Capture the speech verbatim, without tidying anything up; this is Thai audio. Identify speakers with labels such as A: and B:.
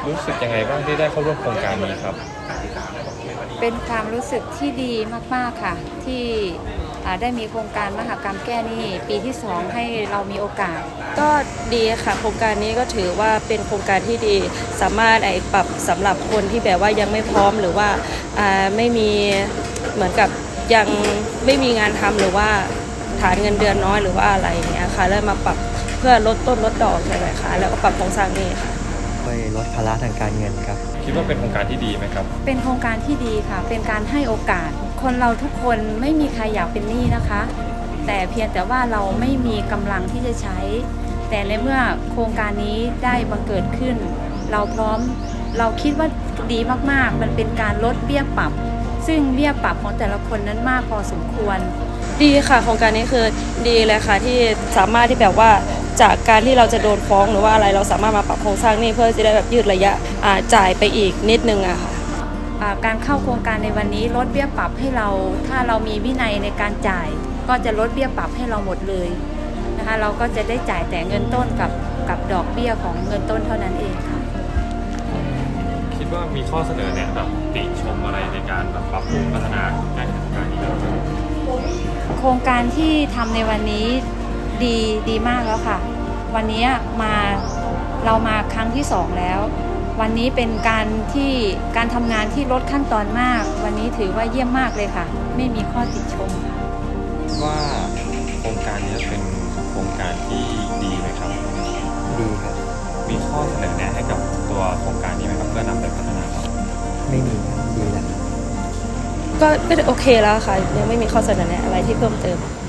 A: รู้สึกยังไงบ้างที่ได้เข้าร่วมโครงการนี้ครับ
B: เป็นความรู้สึกที่ดีมากๆค่ะที่ได้มีโครงการมหกรรมแก้หนี้ปีที่สองให้เรามีโอกาส
C: ก็ดีค่ะโครงการนี้ก็ถือว่าเป็นโครงการที่ดีสามารถไอ้ปรับสำหรับคนที่แบบว่ายังไม่พร้อมหรือว่าไม่มีเหมือนกับยังไม่มีงานทำหรือว่าฐานเงินเดือนน้อยหรือว่าอะไรอย่างเงี้ยค่ะแล้วมาปรับเพื่อลดต้นลดดอกใช่ไหมคะแล้วก็ปรับโครงสร้างหนี้ค่ะ
D: ช่วยลดภาระทางการเงินครับ
A: คิดว่าเป็นโครงการที่ดีไหมครับ
B: เป็นโครงการที่ดีค่ะเป็นการให้โอกาสคนเราทุกคนไม่มีใครอยากเป็นหนี้นะคะแต่เพียงแต่ว่าเราไม่มีกำลังที่จะใช้แต่ในเมื่อโครงการนี้ได้บังเกิดขึ้นเราพร้อมเราคิดว่าดีมากๆมันเป็นการลดเบี้ยปรับซึ่งเบี้ยปรับของแต่ละคนนั้นมากพอสมควร
C: ดีค่ะโครงการนี้คือดีเลยค่ะที่สามารถที่แบบว่าจากการที่เราจะโดนฟ้องหรือว่าอะไรเราสามารถมาปรับโครงสร้างนี้เพื่อจะได้แบบยืดระยะจ่ายไปอีกนิดนึงอะค่ะ
B: การเข้าโครงการในวันนี้ลดเบี้ยปรับให้เราถ้าเรามีวินัยในการจ่ายก็จะลดเบี้ยปรับให้เราหมดเลยนะคะเราก็จะได้จ่ายแต่เงินต้นกับกับดอกเบี้ยของเงินต้นเท่านั้นเองค่ะ
A: คิดว่ามีข้อเสนอแนะแบบติชมอะไรในการแบบปรับปรุงพัฒนาการโครงการนี้
B: โครงการที่ทำในวันนี้ดีดีมากแล้วค่ะวันนี้มาเรามาครั้งที่สองแล้ววันนี้เป็นการที่การทำงานที่ลดขั้นตอนมากวันนี้ถือว่าเยี่ยมมากเลยค่ะไม่มีข้อติชม
A: ว่าโครงการนี้เป็นโครงการที่ดีไหมครับ
D: ดีครับ
A: มีข้อเสนอแนะให้กับตัวโครงการนี้ไหมครับเพื่อนำไปพัฒนาครับ
D: ไม่มีครับดีแล้ว
C: ก็ก็โอเคแล้วค่ะยังไม่มีข้อเสนอแนะอะไรที่เพิ่มเติม